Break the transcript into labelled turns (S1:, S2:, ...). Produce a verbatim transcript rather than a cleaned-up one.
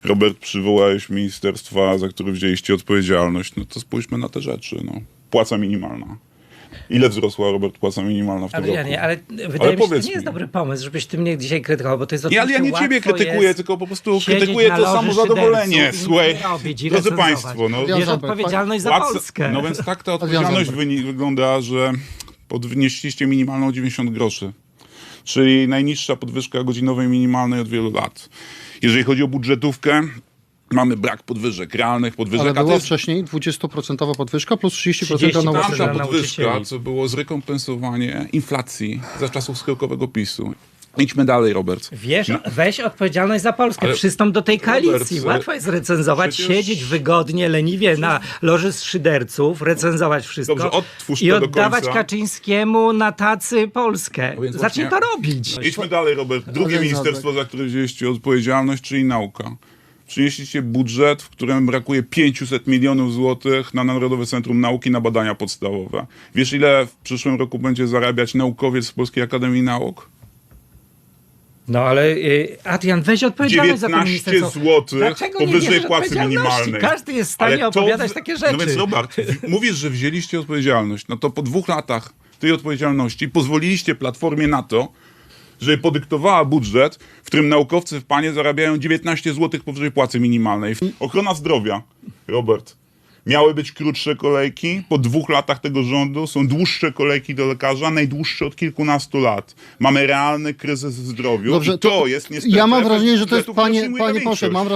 S1: Robert, przywołałeś ministerstwa, za które wzięliście odpowiedzialność. No to spójrzmy na te rzeczy. No. Płaca minimalna. Ile wzrosła, Robert, płaca minimalna w tym roku?
S2: Adrianie, ale wydaje
S1: Ale
S2: mi się, że to
S1: powiedz
S2: nie jest
S1: mi.
S2: dobry pomysł, żebyś ty mnie dzisiaj krytykował, bo to jest
S1: Nie, ale ja nie
S2: oczywiście
S1: ciebie
S2: łatwo
S1: krytykuję,
S2: jest
S1: tylko po prostu
S2: siedzieć
S1: krytykuję
S2: na
S1: to
S2: loży
S1: samozadowolenie.
S2: szyderców i
S1: Słuchaj,
S2: nic nie robić i
S1: drodzy
S2: recenzować.
S1: państwo, no,
S2: Bierz
S3: Wiązał-
S2: odpowiedzialność za
S1: płaca-
S2: Polskę.
S1: No więc tak ta odpowiedzialność wyni- wygląda, że podnieśliście minimalną o dziewięćdziesiąt groszy, czyli najniższa podwyżka godzinowej minimalnej od wielu lat. Jeżeli chodzi o budżetówkę, mamy brak podwyżek, realnych podwyżek.
S3: Ale
S1: a to
S3: była
S1: jest
S3: wcześniej dwudziestoprocentowa podwyżka plus trzydzieści procent
S2: trzydzieści
S3: na
S2: procent.
S1: tamta
S3: nauczycieli.
S2: dla
S1: podwyżka,
S2: nauczycieli.
S1: co było zrekompensowanie inflacji za czasów skokowego PiSu. Idźmy dalej, Robert.
S2: Wiesz,
S1: No.
S2: weź odpowiedzialność za Polskę,
S1: Ale-
S2: przystąp do tej koalicji.
S1: Robert,
S2: Łatwo jest recenzować,
S1: przecież-
S2: siedzieć wygodnie, leniwie na loży z szyderców, recenzować wszystko
S1: Dobrze, odtwórz
S2: i
S1: to do
S2: oddawać
S1: końca.
S2: Kaczyńskiemu na tacy Polskę.
S1: No więc
S2: Zacznij
S1: właśnie-
S2: to robić.
S1: Idźmy dalej, Robert. Drugie
S3: Ale
S1: ministerstwo, za które wzięliście odpowiedzialność, czyli nauka. Przynieśliście budżet, w którym brakuje pięćset milionów złotych na Narodowe Centrum Nauki na badania podstawowe. Wiesz, ile w przyszłym roku będzie zarabiać naukowiec z Polskiej Akademii Nauk?
S2: No ale y, Adrian, weź odpowiedzialność za to
S1: dziewiętnaście
S2: ministerstwo.
S1: złotych
S2: Dlaczego nie
S1: powyżej
S2: bierzesz
S1: płacy
S2: odpowiedzialności?
S1: minimalnej.
S2: Każdy jest w stanie
S1: Ale to
S2: opowiadać
S1: w-
S2: takie rzeczy.
S1: No więc Robert, w- mówisz, że wzięliście odpowiedzialność. No to po dwóch latach tej odpowiedzialności pozwoliliście Platformie na to, żeby podyktowała budżet, w którym naukowcy w panie zarabiają dziewiętnaście złotych powyżej płacy minimalnej. Ochrona zdrowia, Robert. Miały być krótsze kolejki, po dwóch latach tego rządu są dłuższe kolejki do lekarza, najdłuższe od kilkunastu lat. Mamy realny kryzys w zdrowiu
S3: Dobrze,
S1: i to,
S3: to
S1: jest niestety...
S3: ja mam
S1: efekt
S3: wrażenie, że to jest,
S1: budżetu, który
S3: panie,
S1: przyjmuje
S3: panie
S1: większość.
S3: poseł, mam